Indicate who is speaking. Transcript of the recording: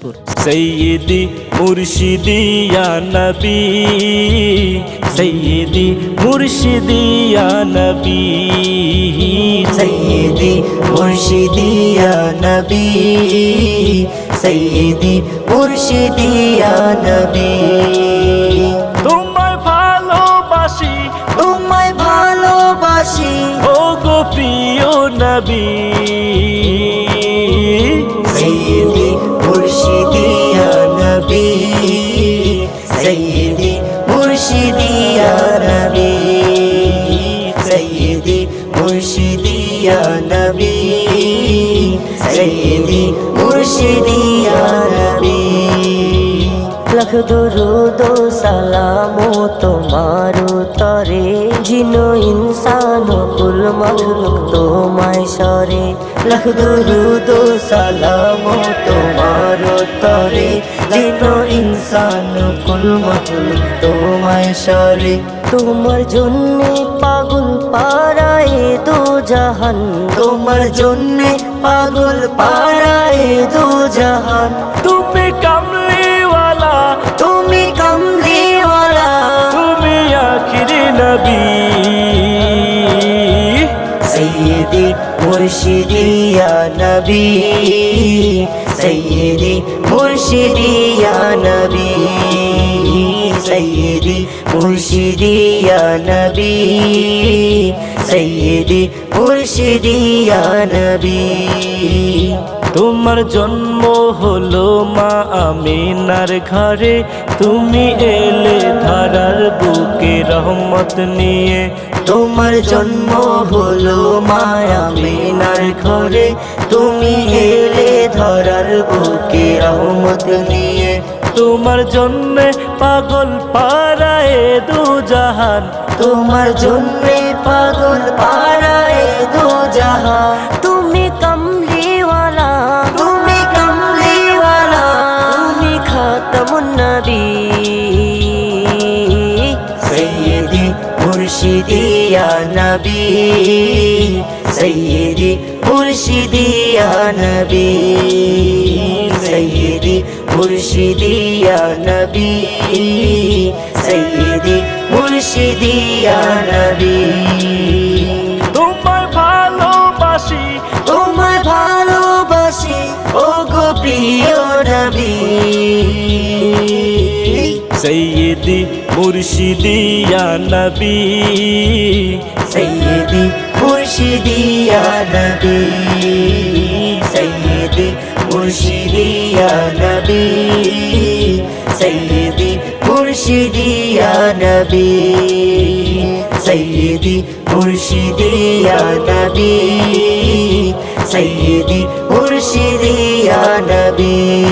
Speaker 1: দিনাজপুর।
Speaker 2: সৈয়দি মুর্শিদি ইয়া নবী, সৈয়দি মুর্শিদি ইয়া নবী,
Speaker 3: সৈয়দি মুর্শিদি ইয়া নবী, সৈয়দি মুর্শিদি ইয়া নবী।
Speaker 2: তোমায় ভালোবাসি,
Speaker 3: তোমায় ভালোবাসি
Speaker 2: ও গো প্রিয় নবী।
Speaker 3: সৈয়দি মুর্শিদি ইয়া নবী, সৈয়দি মুর্শিদি ইয়া নবী, সৈয়দি মুর্শিদি ইয়া নবী, সৈয়দি মুর্শিদি ইয়া নবী। লাখ দরুদ ও সালাম তোমার তরে, জিনো ইনসান কুল মখলুক তোমায় সরে। লাখ দরুদ ও সালাম তোমার তরে, জিনো ইনসান কুল মখলুক তোমায় সরে। তোমার জন্যে পাগল পারায় দো জাহান, তোমার জন্যে পাগল পারায় দো জাহান।
Speaker 2: তুমি কামলিওয়ালা,
Speaker 3: তুমি কামলিওয়ালা,
Speaker 2: তুমি আখিরি নবী।
Speaker 3: সৈয়দি মুর্শিদি ইয়া নবী, সৈয়দি মুর্শিদি ইয়া নবী, সৈয়দি মুর্শিদি ইয়া নবী, সৈয়দি মুর্শিদি ইয়া নবী।
Speaker 2: তোমার জন্ম হলো মা আমিনার ঘরে, তুমি এলে ধারার বুকে রহমত নিয়ে।
Speaker 3: তোমার জন্ম হলো মা আমিনার ঘরে, তুমি এলে ধরার বুকে রহমত নিয়ে।
Speaker 2: তোমার জন্যে পাগল পারায় দু জাহান,
Speaker 3: তোমার জন্যে পাগল পারায় দো জাহান। তুমি কামলিওয়ালা, তুমি কামলিওয়ালা, তুমি খাতামুন নবী। সৈয়দি মুর্শিদি ইয়া নবী, সৈয়দি মুর্শিদি ইয়া নবী, সৈয়দি মুর্শিদি ইয়া নবী, সৈয়দি মুর্শিদি ইয়া নবী।
Speaker 2: তোমায় ভালোবাসি,
Speaker 3: তোমায় ভালোবাসি ও গো প্রিয় নবী।
Speaker 2: সৈয়দি মুর্শিদি ইয়া নবী,
Speaker 3: সৈয়দি মুর্শিদি ইয়া নবী, সৈয়দি মুর্শিদি ইয়া নবী, সৈয়দি মুর্শিদি ইয়া নবী, সৈয়দি মুর্শিদি ইয়া নবী, সৈয়দি মুর্শিদি ইয়া নবী।